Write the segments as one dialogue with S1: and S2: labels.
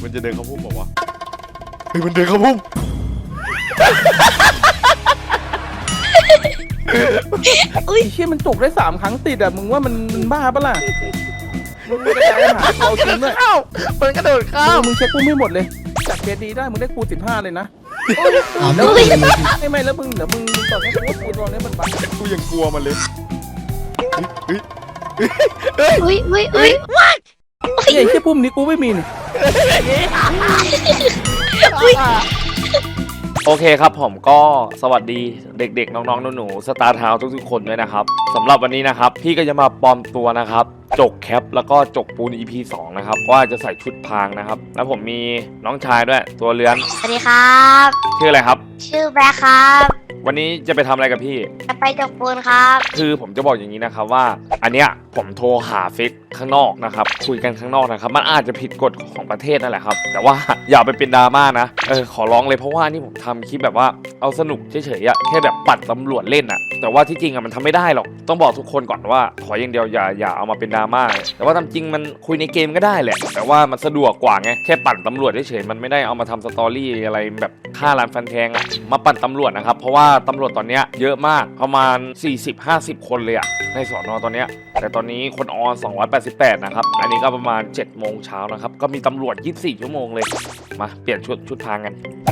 S1: มันจะเดินเข้าพุ่มบอกว่าเฮ้ยมันเดินเข้าพุ่ม
S2: อุ้ยเชี่ยมันจกได้3 ครั้งติดอ่ะมึงว่ามันบ้าปะล่ะมึงไม่ได้หาเอาจริงด้วย
S1: มันกระโดดข้าม
S2: มึงเช็คกูไม่หมดเลยจากเคสดีได้มึงได้กู15เลยนะ
S3: ไม่
S2: ไม่แล้วมึงเดี๋ยวมึงตอนนี้กูตอนนี้มันบ้า
S1: กูยังกลัวมันเลยเฮ้ย
S3: อุ้ย
S2: ไอ้เชี่ยปุ่มนี้กูไม่มีนี่
S1: โอเคครับผมก็สวัสดีเด็กๆน้องๆหนูๆสตาร์ทาวทุกๆคนด้วยนะครับสำหรับวันนี้นะครับพี่ก็จะมาปลอมตัวนะครับจกแคปแล้วก็จกปูน EP 2นะครับว่าจะใส่ชุดพรางนะครับแล้วผมมีน้องชายด้วยตัวเลื้อน
S3: สวัสดีครับ
S1: ชื่ออะไรครับ
S3: ชื่อแบล็คครับ
S1: วันนี้จะไปทำอะไรกับพี่
S3: จะไปจกปูนครับ
S1: คือผมจะบอกอย่างนี้นะครับว่าอันเนี้ยผมโทรหาเฟซข้างนอกนะครับคุยกันข้างนอกนะครับมันอาจจะผิดกฎของประเทศนั่นแหละครับแต่ว่า อย่าไปเป็นดราม่านะขอร้องเลยเพราะว่านี่ผมทำคลิปแบบว่าเอาสนุกเฉยๆอะแค่แบบปัดตำรวจเล่นอะแต่ว่าที่จริงอะมันทำไม่ได้หรอกต้องบอกทุกคนก่อนว่าขออย่างเดียวอย่าเอามาเป็นดราม่าแต่ว่าตามจริงมันคุยในเกมก็ได้แหละแต่ว่ามันสะดวกกว่าไงแค่ปั่นตำรวจเฉยๆมันไม่ได้เอามาทำสตอรี่อะไรแบบฆ่าล้านฟันแทงอะมาปั่นตำรวจนะครับเพราะว่าตำรวจตอนเนี้ยเยอะมากประมาณ 40-50 คนเลยอะในสอนอตอนเนี้ยแต่ตอนนี้คนออน288นะครับอันนี้ก็ประมาณ7 โมงเช้านะครับก็มีตำรวจ24 ชั่วโมงเลยมาเปลี่ยนชุดทางกัน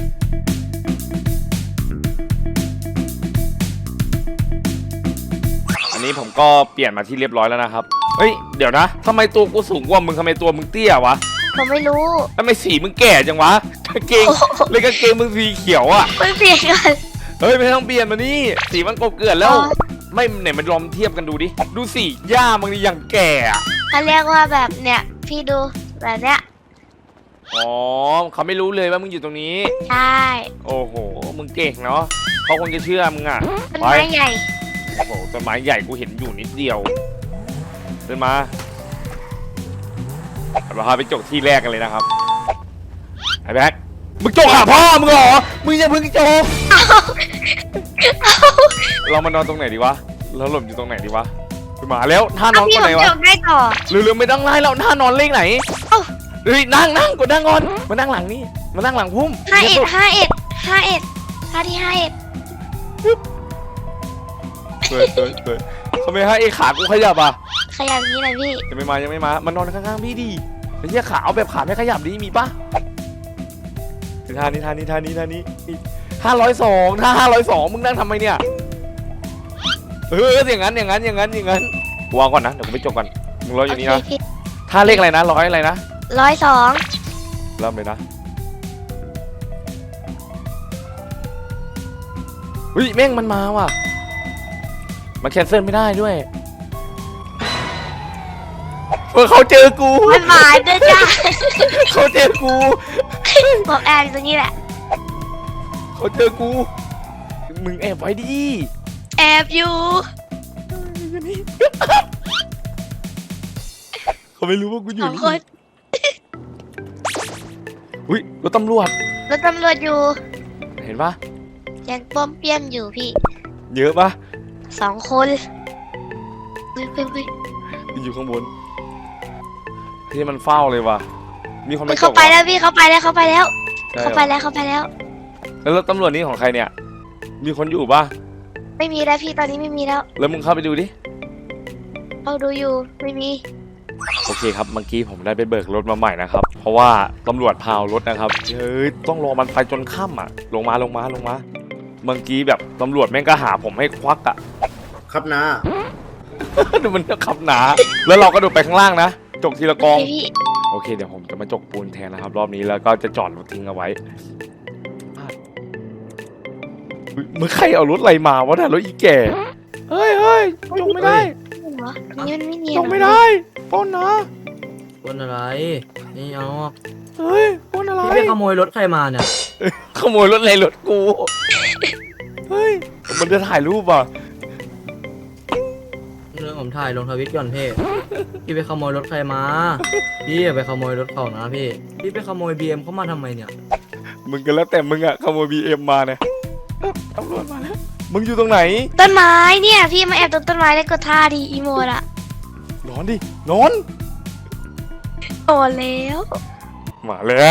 S1: อันนี้ผมก็เปลี่ยนมาที่เรียบร้อยแล้วนะครับเฮ้ยเดี๋ยวนะทำไมตัวกูสูงกว่ามึงทำไมตัวมึงเตี้ยวะ
S3: ผมไม่รู้
S1: ทำไมสีมึงแก่จังวะกางเกงเลยกางเกงมึงสีเขียวอะ
S3: ไม่เปลี่ยนกัน
S1: เฮ้ยไม่ต้องเปลี่ยนมานี่สีมันกบเกลื่อนแล้วไม่ไหนมันลองเทียบกันดูดิดูสีหญ้ามึงนี่ยังแก่อะ
S3: เขาเรียกว่าแบบเนี่ยพี่ดูแบบเนี้ย
S1: อ๋อเขาไม่รู้เลยว่ามึงอยู่ตรงนี้
S3: ใช่
S1: โอ้โหมึงเก่งเนาะเขาคงจะเชื่อมึงอะ
S3: ต้นไม้ใหญ่
S1: โอ้โหต้นไม้ใหญ่กูเห็นอยู่นิดเดียวเดินมาเราพาไปจกที่แรกกันเลยนะครับไอ้แบ๊กมึงจกหาพ่อมึงเหรอมึงอย่าเพิ่งจกเรามานอนตรงไหนดีวะเราหล่มอยู่ตรงไหนดีวะไปมาแล้วท่านอน
S3: พี่
S1: คน
S3: ผ
S1: ไหน
S3: ม
S1: วะ
S3: จกได้ต่อ
S1: เร็วๆไม่ต้องไล่แล้วท่านอนเลขไหน
S3: เอ้า
S1: เฮ้ยนั่งกดนั่งก่อนมานั่งหลังนี่มานั่งหลังพุ่ม
S3: 51ท่าที่51
S1: เฮ้ยทำไมให้ไอ้ขากูขยับอ่ะ
S3: ขยับอย่างนี้เลยพี่
S1: ยังไม่มามันนอนข้างๆพี่ดิไอ้เหี้ยขาเอาแบบขาไม่ขยับดิมีปะท่านี้502ถ้า502มึงนั่งทำไมเนี่ยอย่างนั้นวางก่อนนะเดี๋ยวกูไปจบก่อนมึงรออยู่นี่นะ
S3: โเคพี่
S1: ท่าเลขอะไรนะ100อะไรนะ
S3: 102
S1: เริ่มเลยนะเฮ้ยแม่งมันมาว่ะมันแคนเซิลไม่ได้ด้วยเขาเจอกู
S3: มันหมายด้วยจ้า
S1: เขาเจอกู
S3: ผมแอบอยู่ตรงนี้แหละ
S1: เขาเจอกูมึงแอบไว้ดิ
S3: แอบอยู่
S1: เขาไม่รู้ว่ากูอยู่
S3: 2
S1: นี่
S3: คน
S1: อุ้ยรถตำรวจ
S3: รถตำรวจอยู่
S1: เห็นปะ
S3: ยังป้อมเปี้ยมอยู่พี่
S1: เยอะปะ
S3: 2 คนเฮ้ย
S1: อยู่ข้างบนที่มันเฝ้าเลยว่ะมีคนมา
S3: เขาไปแล้วพี่เขาไปแล้ว
S1: ใช่เหรอ แล้วรถตำรวจนี่ของใครเนี่ยมีคนอยู่ปะ
S3: ไม่มีแล้วพี่ตอนนี้ไม่มีแล้ว
S1: แล้วมึงเข้าไปดูดิ
S3: เอาดูอยู่ไม่มี
S1: โอเคครับเมื่อกี้ผมได้ไปเบิกรถมาใหม่นะครับเพราะว่าตำรวจพาวรถนะครับเฮ้ยต้องรอมันไปจนค่ำอ่ะลงมาเมื่อกี้แบบตำรวจแม่งก็หาผมให้ควักอ่ะ
S4: ครับนะ
S1: ดูมันขับหนาแล้วเราก็โดดไปข้างล่างนะจกทีละกอง
S3: พี่
S1: โอเคเดี๋ยวผมจะมาจกปูนแทนนะครับรอบนี้แล้วก็จะจอดรถทิ้งเอาไว้มึงใครเอารถอะไรมาวะเนี่ยรถอีแก่เฮ้ยจกไม่ได้
S3: เหรอนี่มันไม่เนียน
S1: จกไม่ได้ปล้นนะ
S5: ปล้นอะไรนี่เอา
S1: เฮ้ยปล้นอะไร
S5: พี่ไปขโมยรถใครมาเนี่ย
S1: ขโมยรถอะไรรถกูเฮ้ยมันจะถ่ายรูปอ่ะ
S5: เรื่องผมถ่ายลงทวิตก่อนพี่ไปขโมยรถใครมาพี่อย่าไปขโมยรถเขานะพี่ไปขโมย BM เขามาทำไมเนี่ย
S1: มึงกันแล้วแต่มึงอะขโมย BM มาเนี่ยตำรวจมาแล้วมึงอยู่ตรงไหน
S3: ต้นไม้เนี่ยพี่มาแอบตรงต้นไม้แล้วกดท่าดีอีโมดอะ
S1: นอนดินอน
S3: โอ้แล้ว
S1: มาแล้ว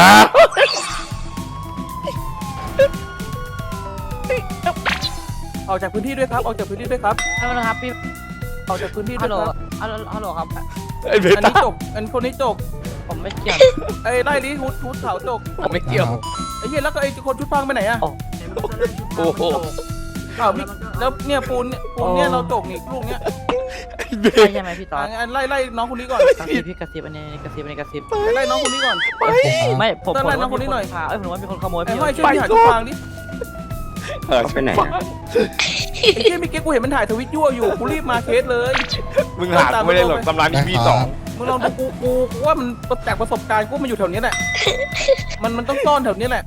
S2: ออกจากพื้นที่ด้วยครับออกจากพื้นที่ด้วยครับ
S4: ฮัลโหลครับพี่
S2: ออกจากพื้นที่ด้
S4: ฮั
S2: ว
S4: ล
S2: ย
S4: โหล
S2: ครับ
S4: ฮัลโหลครับ
S1: ไอ้เบ
S2: อัน
S1: ต้า
S2: นี้จกอันคนนี้จก
S4: ผมไม่เกี่ยว
S2: ไอ้ไล่นี้ทุดเขาจก
S1: ผมไม่เกี่ยว
S2: ไอ้เหี้ยแล้วก็ไอ้คนชุดพังไปไหนอะ
S1: โอ้โห
S2: อ้าวพี่แล้วเนี่ยปูนเนี่ยเราจกนี่ลูกเนี้ย
S1: ไอ้เบ
S4: ใช่ไหมพี่ตอด
S2: อันไล่น้องคนนี้ก่อน
S4: กระซิบพี่กระซิบอันนี้กระซิบอันนี้กระซิบ
S2: ไล่น้องคนนี้ก่อน
S4: ไม่ผม
S2: เติมอะไรน้องคนนี้หน่อย
S4: พาผมว่ามีคนขโมย
S2: ไอ้
S4: พี่
S2: ห้อยช่วยพี่หาชุดพังดิ
S1: ไปไหน
S2: ไอ้เหี้ยเมื่อกี้กูเห็นมันถ่ายทวิตยั่วอยู่กูรีบมาเคสเลย
S1: มึงหากูไม่ได้หรอกตำรานี้มีสอง
S2: มึงลองดูกูว่ามันจากประสบการณ์กูมันอยู่แถวนี้แหละมันต้องซ่อนแถวนี้แหละ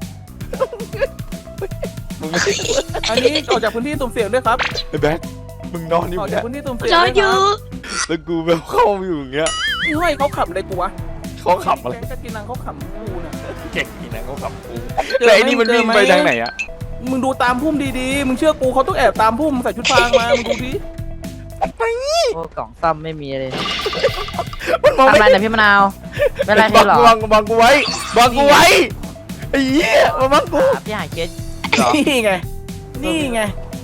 S1: มึงไม่
S2: อันนี้ออกจากพื้นที่สุ่มเสี่ยงด้วยครับ
S1: ไอ้แบ็คมึงนอนอยู่
S2: ออก
S1: เนี่
S2: จาก
S1: ย
S2: พื้นที่สุ่มเสี่ยง
S3: รอ
S2: ด้วย
S3: อ
S2: ค
S3: ยู่
S2: รับ
S1: แล้วกูแบบเข้ามาอยู่อย่างเงี้ย
S2: นี่ห้อยเขาขับอะไรกูวะ
S1: เขาขับอะไร
S2: แกงกะกินังเขาขับกูน่ะ
S1: เก่งนี่นะเขาขับกูแต่ไอ้นี่มันวิ่งไปทางไหนอะ
S2: มึงดูตามพุ่มดีๆ มึงเชื่อกูเขาต้องแอบตามพุ่มใส่ชุดฟางมา มึงดูดิ
S4: โอ้กล่องซ่อมไม่มีเลย
S1: มันมอง
S4: ทำ
S1: ไม่
S4: อะไรเนี่ยพี่มะนาวเป็นไร
S1: บั
S4: เธอเหรอ
S1: บังกูไว้บังกูไว้ไอ้เหี้ยมาบังกู
S4: พี่หายเคสเหรอ
S2: นี่ไง นี่ไง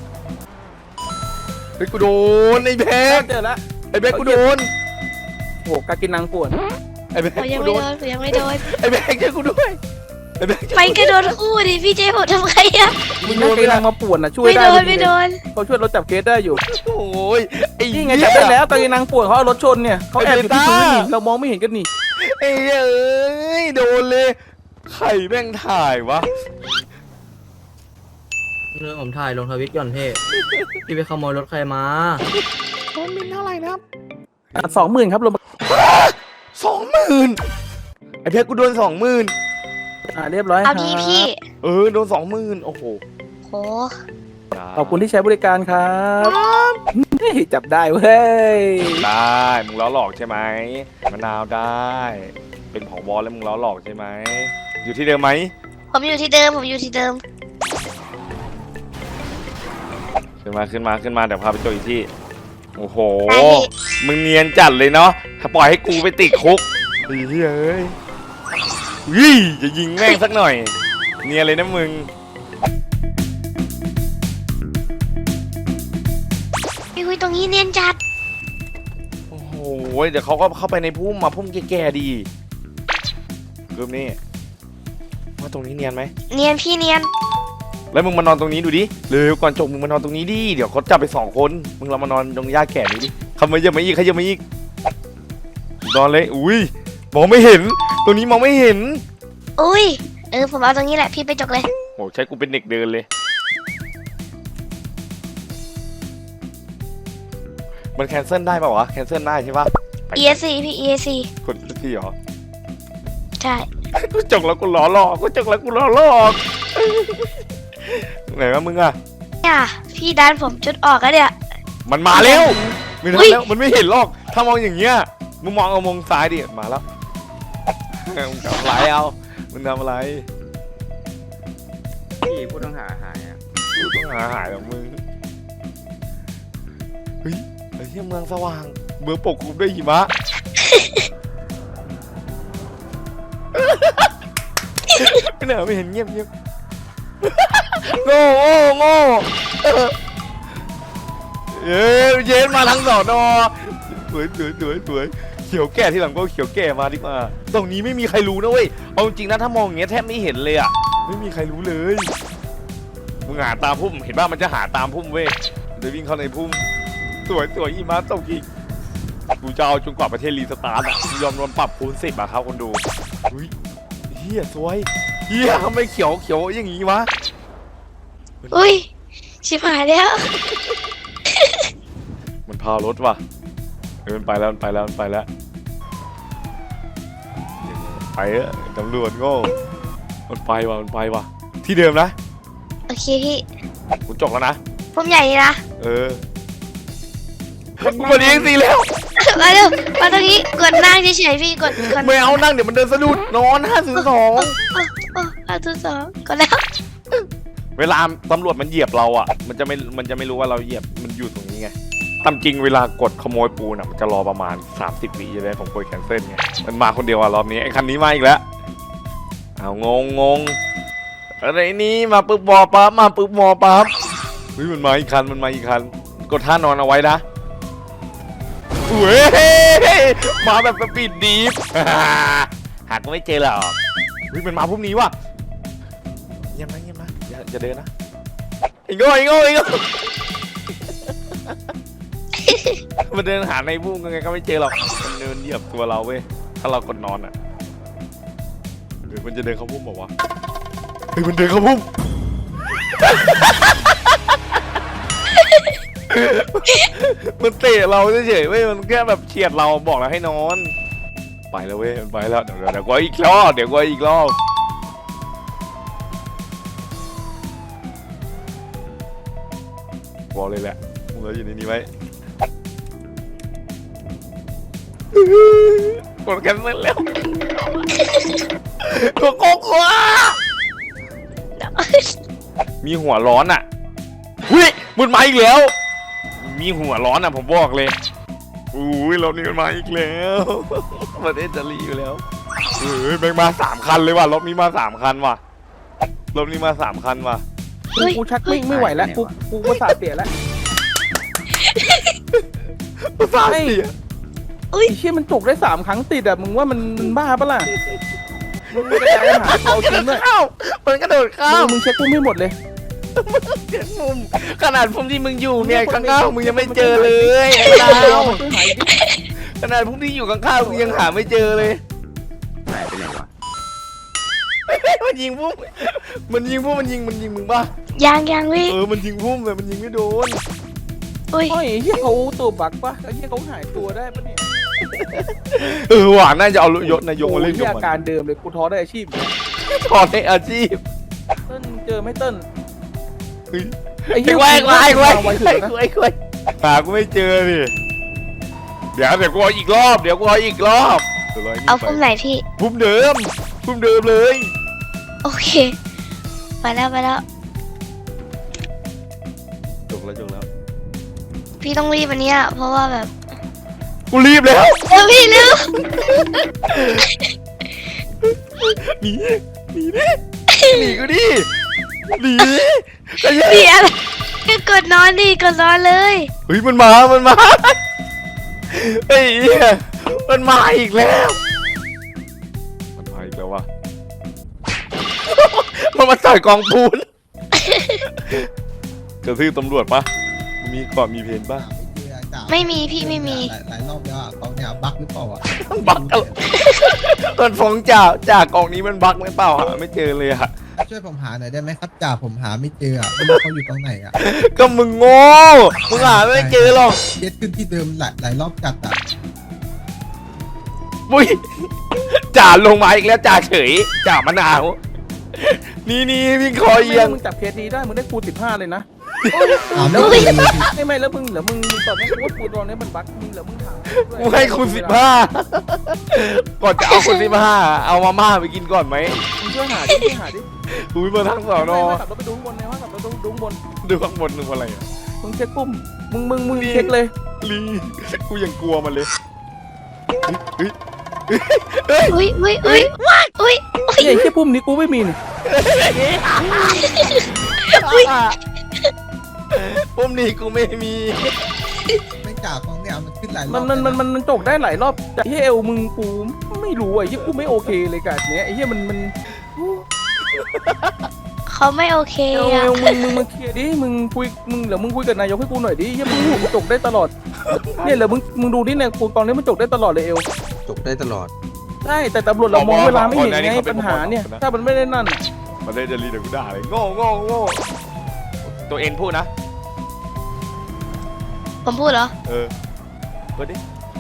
S1: ไอ้กูโดนไอ้แบ็ค
S2: เจอแล้ว
S1: ไอ้แบ็คกูโดน
S2: โหกากินังปวด
S1: ไอ้แบ็ค
S3: โอ้ยยัง
S1: กู
S3: ไม่
S1: โด
S3: โด
S1: น
S3: นผมยังไม่โดน
S1: ไอ้แบ็คช่วยกูด้วยไอ้แบ็ค
S3: ไปก็โดนคู่ดิพี่เจผมทำไงอะ
S2: มึงกากินังมาปวดนะช่วย
S3: ไม่
S2: ได้
S3: โดน
S2: ดี
S3: ไม่
S2: เลย
S3: โดน
S2: เขาช่วยรถจับเคสได้อยู่
S1: โอ้ยไอ้
S2: นี่
S1: เหี้ย
S2: ไงจับได้แล้วกากินังปวดเขาเอารถชนเนี่ยเขาแอบอยู่ที่
S1: ไอ้เบต้า
S2: พื้นนี่เรามองไม่เห็นกันนี่
S1: ไอ้เหี้ยเอ้ยโดนเลยใครแม่งถ่ายวะ
S5: เรื่องผมถ่ายลงทวิตก่อนพี่พี่ไปขโมยรถใครมา
S1: โดนมินเท่าไหร่นะครับ
S2: 20,000ครับลงมา
S1: 20,000ไอ้เพชรกูโดน20,000
S2: เรียบร้อยค
S3: เอา
S2: รับ
S3: พี่
S1: โดน20,000โอ้โห
S3: โห
S2: ขอบคุณที่ใช้บริการครับเฮ้ยจับได้เว้ย
S1: ได้มึงล้อหลอกใช่ไหมมะนาวได้ เป็นผอบอแล้วมึงล้อหลอกใช่ไหมอยู่ที่เดิมไหม
S3: ผมอยู่ที่เดิมผมอยู่ที่เดิม
S1: ขึ้นมาเดี๋ยวพาไปเจออีกที่โอ้โห
S3: ได้พี่
S1: มึงเนียนจัดเลยเนาะถ้าปล่อยให้กูไปติดคุกเฮ้ยเอ้ยวิ่จะยิงแม่งสักหน่อย เนียนเลยนะมึง
S3: พี่คุยตรงนี้เนียนจัด
S1: โอ้โหเดี๋ยวเขาก็เข้าไปในพุ่มมาพุ่มแก่ๆดีกลุ่มนี้ว่าตรงนี้เนียนไหม
S3: เนียนพี่เนียน
S1: แล้วมึงมานอนตรงนี้ดูดิเร็วก่อนจบมึงมานอนตรงนี้ดิเดี๋ยวเขาจับไป2 คนมึงเรามานอนตรงหญ้าแก่นี้ดิขยับมาอีกนอนเลยอุ้ยมองไม่เห็นตรงนี้มองไม่เห็น
S3: อุ้ยผมเอาตรงนี้แหละพี่ไปจกเลย
S1: โหใช้กูเป็นเด็กเดินเลย มันแคนเซิลได้ป่าวะแคนเซิลได้ใช่ปะไป
S3: ESC พี่ ESC
S1: กดสักทีเหรอ
S3: ใช่
S1: กูจกแล้วกูล้อหลอกไหนวะมึงอะ
S3: เนี่ยพี่ดันผมจุดออกแล้วเนี่ย
S1: มันมาแล้วไม่ทั
S3: อุ๊
S1: น
S3: ย
S1: แล้วมันไม่เห็นหรอกถ้ามองอย่างเงี้ยมึงมองเอามองซ้ายดิมาแล้วมึงทำอะไรเอามึงทำอะไร
S2: พี่ผู้ต้องหาหายอ่ะ
S1: กูต้องหายของมึงเฮ้ยไอ้ที่เมืองสว่างเมืองปกคลุมด้วยหิมะ ไม่เหนอไม่เห็นเงียบโง่เย็นมาทั้งสอนอสวยเขียวแก่ที่หลังก็เขียวแก่มาดีกว่าตรงนี้ไม่มีใครรู้นะเว้ยเอาจริงนะถ้ามองอย่างเงี้ยแทบไม่เห็นเลยอ่ะไม่มีใครรู้เลยมึงหาตามพุ่มเห็นป่ะมันจะหาตามพุ่มเว้ยเดี๋ยววิ่งเข้าในพุ่มสวยอีมาตกอีกกูจะเอาจนกว่าประเทศรีสตาร์ทอ่ะยอมโดนปรับคูณ10อ่ะครับคนดูอุ้ยเฮียสวยเฮียทำไมเขียวอย่างงี้วะ
S3: อุ้ยชิบหายแล้ว
S1: มันพารถว่ะมันไปแล้วไปเออตำรวจโง่มันไปว่ะที่เดิมนะ
S3: โอเคพี่
S1: กูจกแล้วนะ
S3: ผมใหญ่นี่นะ
S1: เออวันนี้ยังตีแล้ว
S3: มาเร็วมาตรงนี้กดนั่งเฉยๆพี่กด
S1: ไม่เอานั่งเดี๋ยวมันเดินสะดุดนอน502
S3: 502กดแล้ว
S1: เวลาตำรวจมันเหยียบเราอ่ะมันจะไม่รู้ว่าเราเหยียบมันอยู่ตรงนี้ไงตามจริงเวลากดขโมยปูนอ่ะมันจะรอประมาณ30 วิใช่ไหมผมกดแคนเซิลไงมันมาคนเดียวอ่ะรอบนี้ไอ้คันนี้มาอีกแล้วเอางงอะไรนี่มาปึ๊บวอปั๊บมาปึ๊บวอปั๊บเฮ้ยมันมาอีกคันกดท่านอนเอาไว้นะเว้ยมาแบบสปีดดีฟ หาก็ไม่เจอหรอกเฮ้ยมันมาพวกนี้ว่ะเงียบนะอย่าเดินนะไอ้โง่ มันเดินหาในบุ้งยังไงก็ไม่เจอหรอกมันเดินเหยียบตัวเราเว้ยถ้าเรากดนอนอ่ะหรือมันจะเดินเข้าพุ่มบอกว่าเฮ้ยมันเดินเข้าพุ่ม มันเตะเราเฉยๆเว้ยมันแค่แบบเฉียดเราบอกแล้วให้นอนไปแล้วเว้ยมันไปแล้วเดี๋ยวก็อีกรอบบอกเลยแหละมึงเราอยู่ในนี้ไว้กดกันเสร็จแล้วโกโก้มีหัวร้อนอ่ะเฮ้ยมันมาอีกแล้วมีหัวร้อนอ่ะผมบอกเลยอุ้ยรถนี้มันมาอีกแล้วประเทศจะรีอยู่แล้วเฮ้ยแม่งมา3 คันเลยว่ะรถนี้มา3 คันว่ะ
S2: กูชักไม่ไหวแล้วกูประสาทเสียแล้ว
S1: ประสาทเสีย
S2: ไอ้เชี่ยมันจุกได้3 ครั้งติดอ่ะมึงว่ามันบ้าปะล่ะมึงไม่ได้หาเอาจริงด้วย
S1: มันกระโดดข้าม
S2: มึงเช็คกูไม่หมดเลย
S1: เจ็ดมุมขนาดพุ่มที่มึงอยู่เนี่ยข้างๆมึงยังไม่เจอเลย ขนาดพุ่มที่อยู่ข้างๆมึงยังหาไม่เจอเลยหายไปไหนวะมันยิงพุ่มมันยิงมึงป่ะ
S3: ยังวิ
S1: มันยิงพุ่มแต่มันยิงไม่โดน
S3: อุ้ย
S2: ไอ้เหี้ยเขาตัวบักปะไอ้เหี้ยเขาหายตัวได้ปะเนี่ย
S1: หวานน่าจะเอายศนายกมาเล่น
S2: โอ้
S1: กับ
S2: ย
S1: มัน
S2: อาการเดิมเลยกูท้อได้อาชีพ
S1: ถอดในอาชีพ
S2: เติ้ลเจอไหม่เติ้ล
S1: เฮ้ย
S2: ไอ้เหี้ย
S1: ไอ้ควาย
S2: ถึงนะ
S1: หากูไม่เจอดิเดี๋ยวกูเอาอีกรอบเดี๋ยว
S3: เอาพุ่มไหนพี่
S1: พุ่มเดิมเลย
S3: โอเคไปแล้ว
S1: จบแล้ว
S3: พี่ต้องรีบวันเนี้ยเพราะว่าแบบ
S1: กูรีบแล้ว
S3: พี่เร็ว
S1: หนีกูดิหนี
S3: พี่อะไรก็กดนอนเลย
S1: เฮ้ยมันมาเฮ้ยมันมาอีกแล้วว่ะ มันมาใส่กองปูนกระทืบตำรวจปะมีก่อนมีเพนปะ
S3: ไม่มีพี่ไม่มี
S6: หลายรอบแล้วอ่ะกองเนี่ยบั๊กหรือเปล่าอ่ะ
S1: บักมันฟ้องจากกองนี้มันบักไหมเปล่าหาไม่เจอเลยอะ
S6: ช่วยผมหาหน่อยได้ไหมครับจ่าผมหาไม่เจออ่ะไม่รู้เขาอยู่ตรงไหนอ่ะ
S1: ก็มึงโง่มึงหาไม่เจอหรอก
S6: เย็ดขึ้นที่เดิมหลายรอบจัดอ่ะ
S1: ปุ้ยจ่าลงมาอีกแล้วจ่าเฉยจ่ามะนาวนี่วิ่งคอเอียง
S2: มึงจับเคสนี้ได้มึงได้คูณ15เลยนะ
S6: ถามแล้วเลย
S2: ไม่แล้วมึงตอนนี้กูว่าคูณตอนนี้มันบั๊กมึงเหรอมึงถาม
S1: กูให้คุณ15ก่อนจะเอาคุณ15เอามาม่าไปกินก่อนไหม
S2: มึงช่วยหาดิ
S1: อุ้ยมาทั้งสอนอ
S2: ขับรถไปดูข้างบนเลยว่าขับรถดูข้างบน
S1: ดูข้างบนนึงอะไรอ่ะ
S2: มึงเช็คปุ่มมึงเช็คเลย
S1: ลีกูยังกลัวมันเลยเฮ้ย
S3: อุ้ย
S2: ไอ้แค่ปุ่มนี้กูไม่มีนี่
S1: ปุ่มนี้กูไม่มี
S6: ไม่จ่ากองเนี่ยมันขึ้นหลายรอบ
S2: มันจกได้หลายรอบแต่ที่เอวมึงกูไม่รู้ไอ้ที่กูไม่โอเคเลยกับเนี้ยไอ้ที่มัน
S3: เขาไม่โอเค
S2: เอ
S3: อะ
S2: วมึงเคลียร์ดิมึงคุยกับนายกให้กูหน่อยดิที่มึงหูจกได้ตลอดเนี่ยเหรอมึงดูดิเนี่ยกูตอนนี้มันจกได้ตลอดเลยเอว
S6: จบได้ตลอด
S2: ใช่แต่ตำรวจเรามองเวลาไม่เห็นไงปัญหาเนี่ยถ้ามันไม่ได้นั่น
S1: มันได้จะรีเดี๋ยวกูด่าเลยโง่ตัวเองพูดนะ
S3: ผมพูดเหรอ
S1: เปิดดิ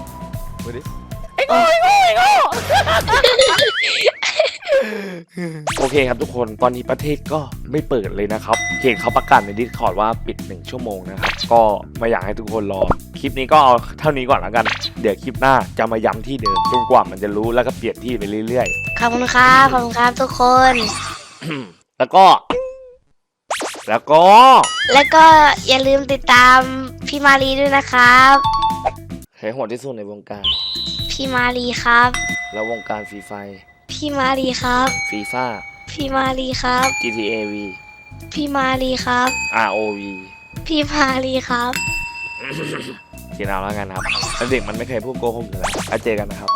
S1: โอเคครับทุกคนตอนนี้ประเทศก็ไม่เปิดเลยนะครับเห็นเขาประกาศใน Discord ว่าปิด1 ชั่วโมงนะครับก็ไม่อยากให้ทุกคนรอคลิปนี้ก็เอาเท่านี้ก่อนแล้วกันเดี๋ยวคลิปหน้าจะมาย้ำที่เดิมจนกว่ามันจะรู้แล้วก็เปลี่ยนที่ไปเรื่อยๆ
S3: ขอบคุณครับทุกคน
S1: แล้วก็
S3: อย่าลืมติดตามพี่มารีด้วยนะครับ
S1: ใครโหดที่สุดในวงการ
S3: พี่มารีครับ
S1: แล้ววงการฟรีไฟ
S3: พี่มารีครับ
S1: ฟีฟ่า
S3: พี่มารีครับ
S1: GTA V
S3: พี่มารีครับ
S1: ROV
S3: พี่มารีครับ
S1: คิดเอาแล้วกันครับแล้วเด็กมันไม่เคยพูดโกหกอยู่แล้วแล้วเจอกันนะครับ